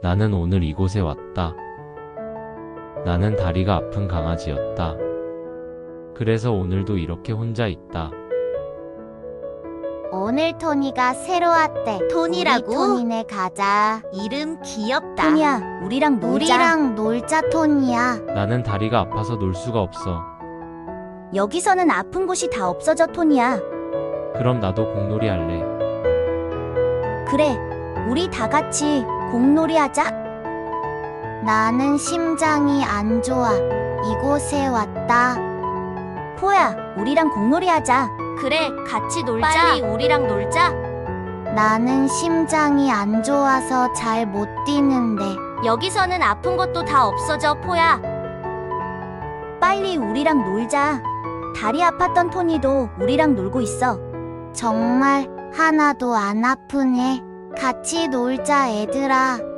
나는 오늘 이곳에 왔다. 나는 다리가 아픈 강아지였다. 그래서 오늘도 이렇게 혼자 있다. 오늘 토니가 새로 왔대. 토니라고? 우리 토니네 가자. 이름 귀엽다. 토니야, 우리랑 놀자. 우리랑 놀자, 토니야. 나는 다리가 아파서 놀 수가 없어. 여기서는 아픈 곳이 다 없어져, 토니야. 그럼 나도 공놀이 할래. 그래, 우리 다 같이 공놀이 하자. 나는 심장이 안 좋아. 이곳에 왔다. 포야, 우리랑 공놀이 하자. 그래, 같이 놀자. 빨리 우리랑 놀자. 나는 심장이 안 좋아서 잘 못 뛰는데. 여기서는 아픈 것도 다 없어져, 포야. 빨리 우리랑 놀자. 다리 아팠던 토니도 우리랑 놀고 있어. 정말 하나도 안 아프네. 같이 놀자, 얘들아.